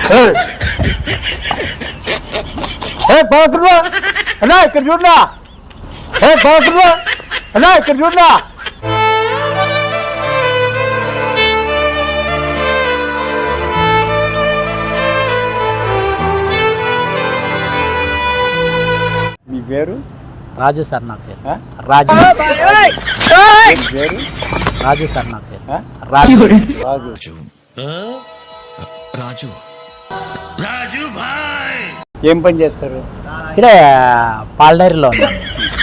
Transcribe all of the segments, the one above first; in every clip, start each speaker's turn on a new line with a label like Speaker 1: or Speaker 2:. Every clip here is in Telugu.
Speaker 1: బాగుంటుందా అన్నా ఇక్కడ చూడనా బాగుంటుందా అన్నా ఇక్కడ చూడనా మీ పేరు
Speaker 2: రాజు సార్ నా పేరు రాజు
Speaker 1: పేరు
Speaker 2: రాజు సార్ నా పేరు రాజు
Speaker 1: రాజు
Speaker 3: రాజు రాజు భాయ్
Speaker 1: ఏం పని చేస్తారు?
Speaker 2: ఇక్కడే పాల డైరీలో ఉన్నాను.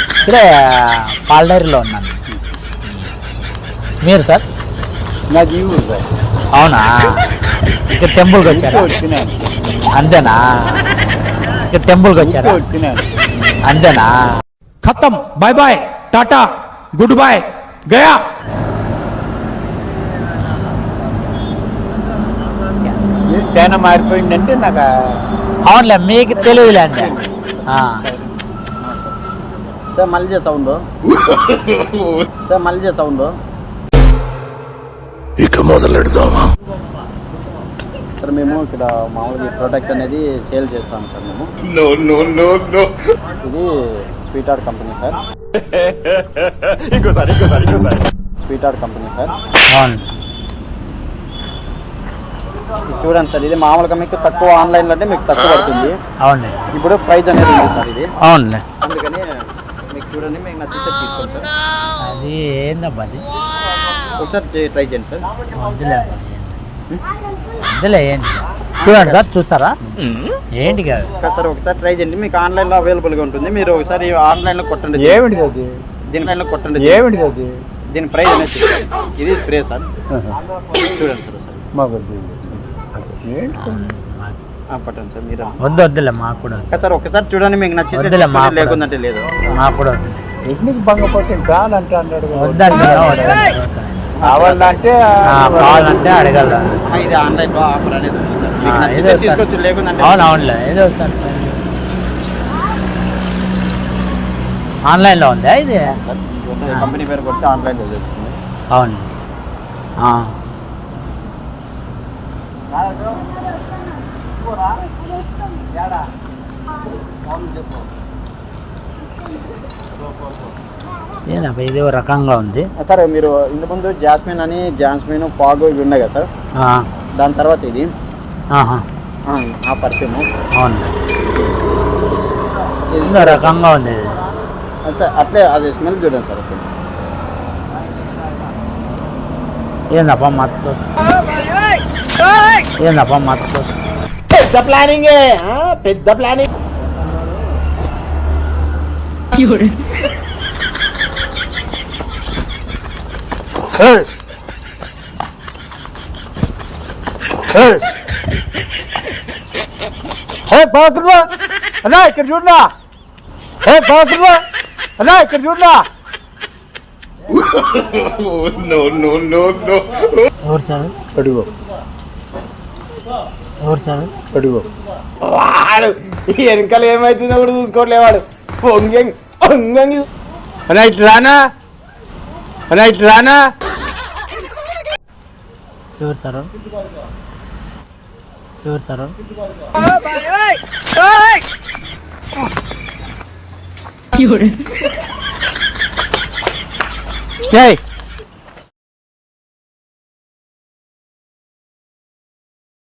Speaker 2: మీరు సార్?
Speaker 1: నా జీవుడు సార్.
Speaker 2: అవునా? ఇక్కడ టెంపుల్కి వచ్చారా?
Speaker 1: వచ్చినాను.
Speaker 2: అంతేనా? ఇక్కడ టెంపుల్కి వచ్చారా?
Speaker 1: వచ్చినాను.
Speaker 2: అంతేనా?
Speaker 4: खत्म bye bye tata good bye गया
Speaker 1: చాలా మారిపోయిందంటే నాకు
Speaker 2: అవునులే మీకు తెలియదులే అండి.
Speaker 5: సార్ మళ్ళీ సౌండ్
Speaker 3: ఇక మొదలెడదామా?
Speaker 5: సార్ మేము ఇక్కడ మామూలుగా ఈ ప్రోడక్ట్ అనేది సేల్ చేస్తాం సార్ మేము. ఇది sweet art company sir. Sweet art company sir.
Speaker 2: అవును.
Speaker 5: ఇది చూడండి సార్, ఇది మామూలుగా మీకు తక్కువ ఆన్లైన్లో అంటే మీకు తక్కువ పడుతుంది.
Speaker 2: అవును.
Speaker 5: ఇప్పుడు ప్రైస్ అనేది ఉంది సార్ ఇది.
Speaker 2: అవునులే.
Speaker 5: అందుకని మీకు చూడండి, మీకు నచ్చితే తీసుకోండి సార్.
Speaker 2: అది ఏందబ్బా అది?
Speaker 5: ఒకసారి ట్రై చేయండి సార్.
Speaker 2: వద్దులే ఏంటి చూడండి సార్, చూస్తారా ఏంటి కాదు
Speaker 5: సార్ ఒకసారి ట్రై చేయండి, మీకు ఆన్లైన్లో అవైలబుల్గా ఉంటుంది. మీరు ఒకసారి ఆన్లైన్లో కొట్టండి.
Speaker 1: ఏమిటిది అది?
Speaker 5: దీని ఆన్లైన్లో కొట్టండి.
Speaker 1: ఏమిటిది అది?
Speaker 5: దీని ప్రైస్ అనేది ఇది స్ప్రే సార్. చూడండి సార్ ఒకసారి.
Speaker 1: మాకు
Speaker 5: పట్టండి సార్ మీరు.
Speaker 2: వద్దులే మాకు కూడా
Speaker 5: సార్ ఒకసారి చూడండి, మీకు నచ్చితే లేకుందంటే లేదు.
Speaker 2: మాకు కూడా
Speaker 1: ఎందుకు భంగపట్టి కావాలంటే అన్నాడు.
Speaker 2: కావాలంటే అడగల.
Speaker 5: ఇది ఆన్లైన్లో ఆఫర్ అనేది ఉంది సార్, మీకు నచ్చితే తీసుకోవచ్చు, లేకుందంటే.
Speaker 2: అవునులే. ఏదో సార్ ఆన్లైన్లో ఉందా ఇది?
Speaker 5: కంపెనీ పేరు కొడితే ఆన్లైన్లో దొరుకుతుంది.
Speaker 2: అవును. ఏదబ్బా ఇది రకంగా ఉంది
Speaker 5: సార్. మీరు ఇంతకుముందు జాస్మిన్ ఫాగ్ ఇవి ఉన్నాయి కదా సార్, దాని తర్వాత ఇది ఆ పర్ఫ్యూమ్.
Speaker 2: అవును, ఇది రకంగా ఉంది.
Speaker 5: అట్లే అది స్మెల్ చూడండి సార్.
Speaker 2: ఏందప్పా మత్తు
Speaker 4: పెద్ద ప్లానింగ్ పెద్ద ప్లానింగ్.
Speaker 1: బాగుంటుందా అన్నా ఇక్కడ చూడనా బాగుంటుందా అన్నా ఇక్కడ చూడనా.
Speaker 2: ఎవరు సార్?
Speaker 1: అడుగు
Speaker 2: ఎవరు సార్?
Speaker 1: అడుగు.
Speaker 4: వాడు వెనకాల ఏమైతుందో కూడా చూసుకోవట్లేవాడు.
Speaker 1: అన్నా ఇట్లా రానా
Speaker 2: ఎవరు సార్?
Speaker 1: ఏయ్